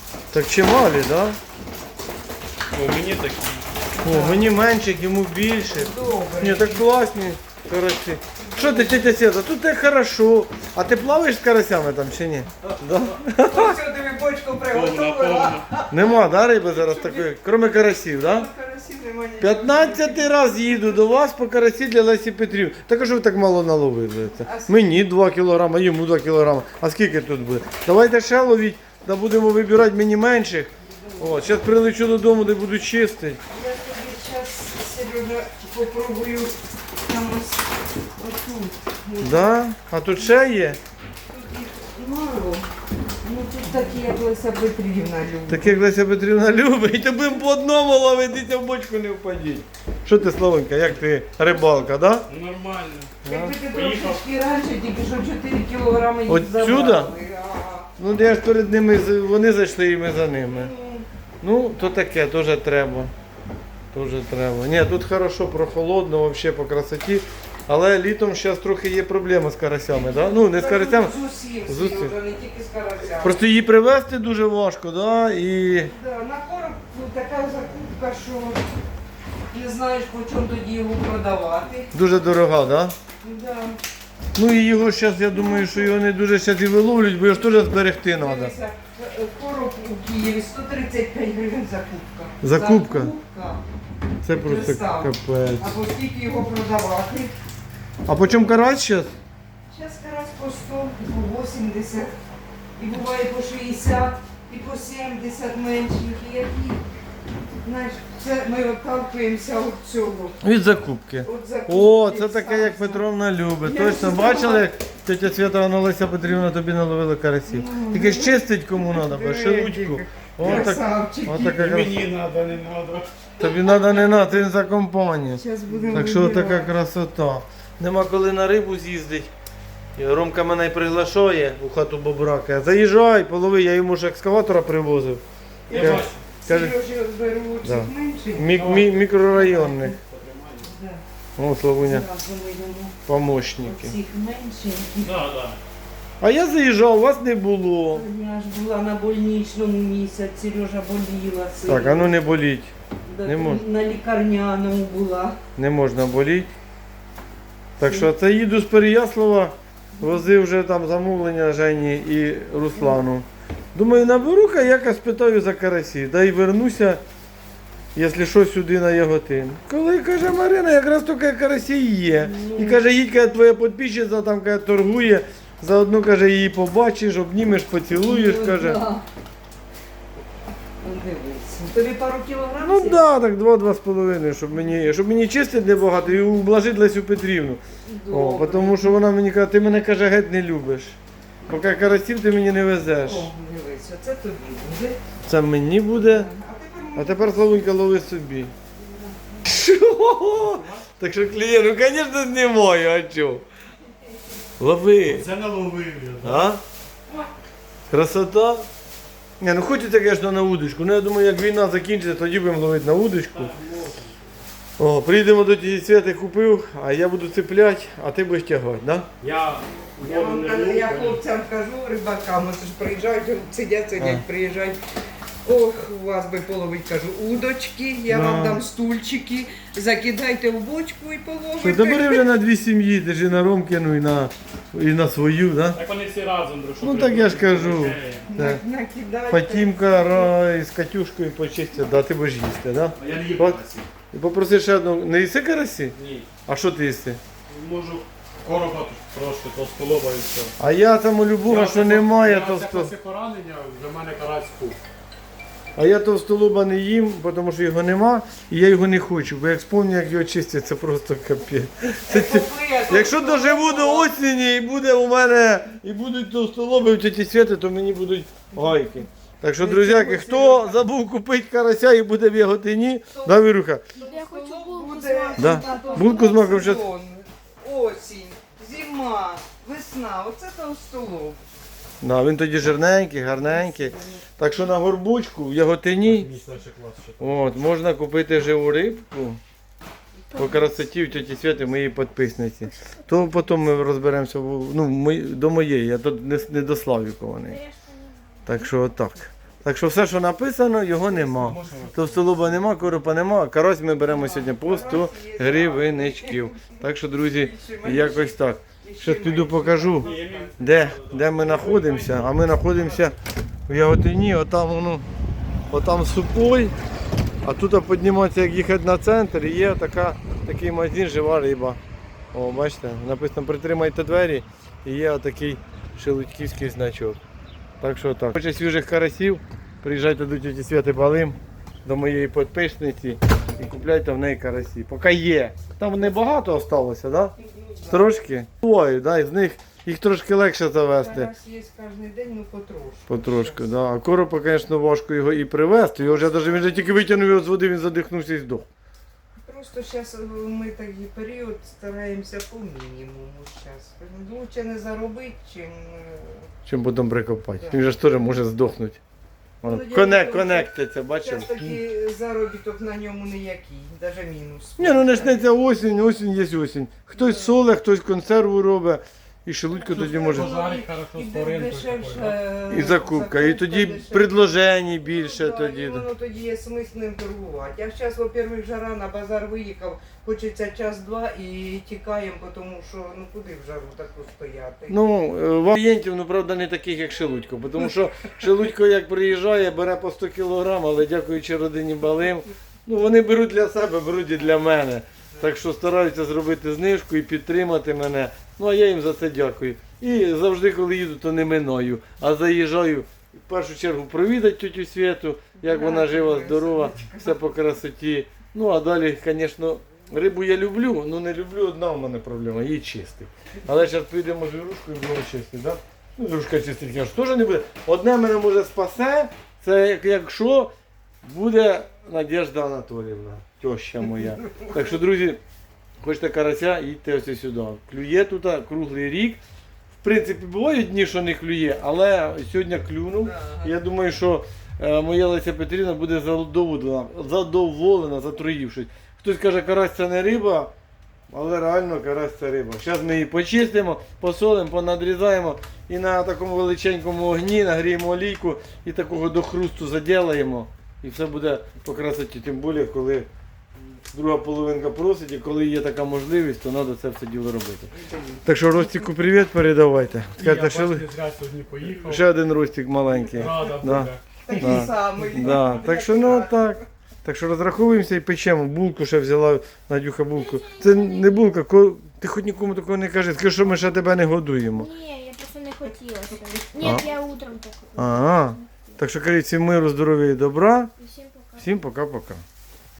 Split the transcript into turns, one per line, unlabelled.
Так чималі, так? Да?
О, мені такі.
О, мені менше, йому більше.
Добре.
Ні, так класні карасі. Що ти, тетя Свята, тут так хорошо. А ти плаваєш з карасями там чи ні? Да?
Ось тобі бочку приготувала.
Нема, да, риби зараз такої, крім карасів, да?
Карасів нема нічого.
15-й раз їду до вас по карасі для Лесі Петрівни. Так а що ви так мало наловили? Мені 2 кілограми, йому 2 кілограми. А скільки тут буде? Давайте ще ловіть, та будемо вибирати мені менших. О, зараз прилечу додому, де буду чистити.
Я тобі зараз, Сережа, попробую там ось отут.
Да? А тут ще є?
Тут їх мало. Ну тут такі, як Леся Петрівна любить.
Так як Леся Петрівна любить, то будемо по одному ловити, в бочку не впадіть. Що ти, Славонька, як ти рибалка, да?
Нормально.
Якби ти трошки раніше, тільки що 4 кілограми їх
Отсюда?
забрали. Ага.
Ну я ж перед ними, вони зайшли і ми за ними. Ну, то таке, теж треба. Теж треба. Ні, тут хорошо, прохолодно, взагалі по красоті. Але літом зараз трохи є проблема з карасями, да? Ну, не з карасями.
З усім,
З усім.
Сережа, не тільки з карасями.
Просто її привезти дуже важко, да? І
Да, на короб така закупка, що не знаєш, по чому тоді його продавати.
дуже дорога, да?
Да.
Ну і його зараз, я думаю, що його не дуже зараз і виловлюють, бо його ж теж зберегти треба.
Дивися, короб у Києві 135 гривень закупка.
Закупка?
Закупка.
Це просто
Представ.
капець.
Або скільки його продавати.
А по чому карась зараз?
Зараз карась по 100, по 80, і буває по 60, і по 70 менших, і які. Знаєш, це ми отталкуємося від цього.
Від закупки.
От закупки.
О, це таке, як Петровна любить.
Я
Точно,
ж
бачили, як тетя Свята Леся Петрівна тобі наловила карасів. Тільки ж чистить кому треба, шелудьку. О, так,
Красавчики.
о, така
І
краса.
мені треба, не треба.
Тобі треба не на, ти за компанію.
Зараз будемо
Так що
вибирати.
така красота. Нема коли на рибу з'їздить. І Ромка мене й приглашає у хату Бобрака. Заїжджай, полови, я йому ж екскаватора привозив.
Я
Каже,
бачу.
каже,
Сережа беру цих
Да.
менших.
мікрорайонних.
Да.
О, Славуня,
Зразу ми йому
помощники.
цих менших.
Да, да.
А я заїжджав, вас не було.
Я ж була на больничному місяць, Сережа боліла сильно.
Так, а ну не боліть.
Да,
не можна.
На лікарняному була.
Не можна боліти. Так що це їду з Переяслава, возив вже там замовлення Жені і Руслану. Думаю, наберу-ка, якось питаю за карасі, да й вернуся, якщо що, сюди на Яготин. Коли, каже, Марина, якраз тільки карасі є. І каже, їдь, каже, твоя підписчиця там каже, торгує, заодно, каже, її побачиш, обнімеш, поцілуєш,
Ну,
каже.
да. Ну, дивись. Тобі пару кілограмів?
Ну так, да, так 2-2,5, щоб мені чистити небагато і ублажити Лесю Петрівну. О,
Добре.
тому що вона мені каже, ти мене, каже, геть не любиш. Поки карасів ти мені не везеш.
О, дивись, оце тобі буде.
Це мені буде,
А тепер
а тепер, Славунька, лови собі. Що? Так що клієнт, ну, звісно, знімаю, а чого? Лови.
Це наловив я.
А? Красота? Ні, ну хочеться, звісно, на удочку. Ну я думаю, як війна закінчиться, тоді будемо ловити на удочку. О, приїдемо до тієї Святи, купив, а я буду цепляти, а ти будеш тягати, да?
Я
я
воду
вам
не
кажу,
люблю.
я хлопцям кажу, рибакам, оце ж приїжджають, сидять,
А.
приїжджають. Ох, у вас би половить, кажу, удочки, я
Да.
вам дам стульчики, закидайте в бочку і
Що,
половите.
та бери вже на 2 сім'ї, держи на Ромкину і на свою, да?
Так вони всі разом друг.
Ну так я ж кажу. Так.
Накидайте.
Фатімка з Катюшкою почистять, да, ти будеш їсти, да?
А я не їм
От.
карасі.
І попроси ще одну, не їси карасі?
Ні.
А що ти їси?
Можу короба трошки, то столоба і все.
А я там у Любога, що немає, то
то після поранення вже в мене карась хук.
А я товстолоба не їм, тому що його нема, і я його не хочу, бо як спомню, як його чистять, це просто капець. Якщо доживу до осені і буде у мене, і будуть товстолоби в тіті Святи, то мені будуть гайки. Так що, друзяки, хто забув купити карася і буде в Яготині, да, Віруха?
Я хочу булку з
Буде
маком.
Да. Булку з маком щас.
сезон, осінь, зима, весна, оце товстолоб.
Да, він тоді жирненький, гарненький. Так що на горбучку в Яготині
Мій старший клас ще.
от, можна купити живу рибку. По красоті в тіті Святи моїй підписниці. То потім ми розберемося до моєї, я тут не до Славікованої. Так що отак. Так що все, що написано, його нема. Товстолоба нема, коропа нема, а карась ми беремо сьогодні по 100 гривеничків. Так що, друзі, якось так. Щас піду покажу, де ми знаходимося. А ми знаходимося в Яготині, отам Супой. А тут підніматися, як їхати на центр, і є такий магазин «Жива риба». О, бачите, написано «Притримайте двері» і є отакий шелудьківський значок. Так що так. Хоче свіжих карасів, приїжджайте до тіті Святи Балим, до моєї підписниці і купляйте в неї карасі. Поки є. Там небагато залишилося, так? Да? Трошки. Ой, да, з них їх трошки легше завести.
Зараз є кожен день, ну потрошку.
Потрошку, да. А коропа, звісно, важко його і привезти. Його вже він же тільки витягнув його з води, він задихнувся і здох.
Просто зараз ми такий період стараємося по мінімуму зараз. Лучше не заробити, чим...
Чим потім прикопати.
Да.
Він же ж теж може здохнути.
Ну, я
Конектиться, бачив?
Зараз такий заробіток на ньому ніякий, навіть мінус.
Ні, ну почнеться осінь є осінь. Хтось соле, хтось консерву робить. І шелудько тоді може.
Пожарить хорошо з ринку.
І закупка. І тоді предложень більше тоді.
І воно тоді є смисл ним торгувати. А зараз, во-первых, жара на базар виїхав, хочеться час-два і тікаємо, тому що ну куди в жару таку стояти.
Ну, вам клієнтів, ну, правда, не таких, як Шелудько. Тому що Шелудько, як приїжджає, бере по 100 кг, але дякуючи родині Балим, ну, вони беруть для себе, беруть і для мене. Так що стараються зробити знижку і підтримати мене. Ну, а я їм за це дякую. І завжди, коли їду, то не миною, а заїжджаю в першу чергу провідати тетю Святу, як вона жива, здорова, все по красоті. Ну, а далі, звісно, рибу я люблю, але не люблю, одна в мене проблема, її чистити. Але зараз підемо з Вірушкою і будемо чистити, так? Ну, Вірушка чистить, каже, теж не буде. Одне мене може спасе, це якщо буде Надежда Анатоліївна, теща моя. Так що, друзі, хочете карася, їдьте ось сюди. Клює тут круглий рік. В принципі, бувають дні, що не клює, але сьогодні клюнув. Я думаю, що моя Леся Петрівна буде задоволена, затроївшись. Хтось каже, карась це не риба, але реально карась це риба. Зараз ми її почистимо, посолимо, понадрізаємо і на такому величенькому огні нагріємо олійку і такого до хрусту заділаємо. І все буде по красоті, тим більше, коли друга половинка просить, і коли є така можливість, то треба це все діло робити. Так що Ростику привіт передавайте.
Я
Скажете, що
бачите, зря сьогодні поїхав.
ще один Ростик маленький.
Рада
Да.
буде.
Такий
Да.
самий.
Да. Так що ну так. Так що розраховуємося і печемо. Булку ще взяла Надюха булку. Це не булка, ти хоч нікому такого не кажи. Скажи, що ми ще тебе не годуємо.
Ні, я просто не хотіла. Ні, я утром так.
Ага. Так що кажіть всім миру, здоров'я і добра.
І всім пока.
Всім пока-пока.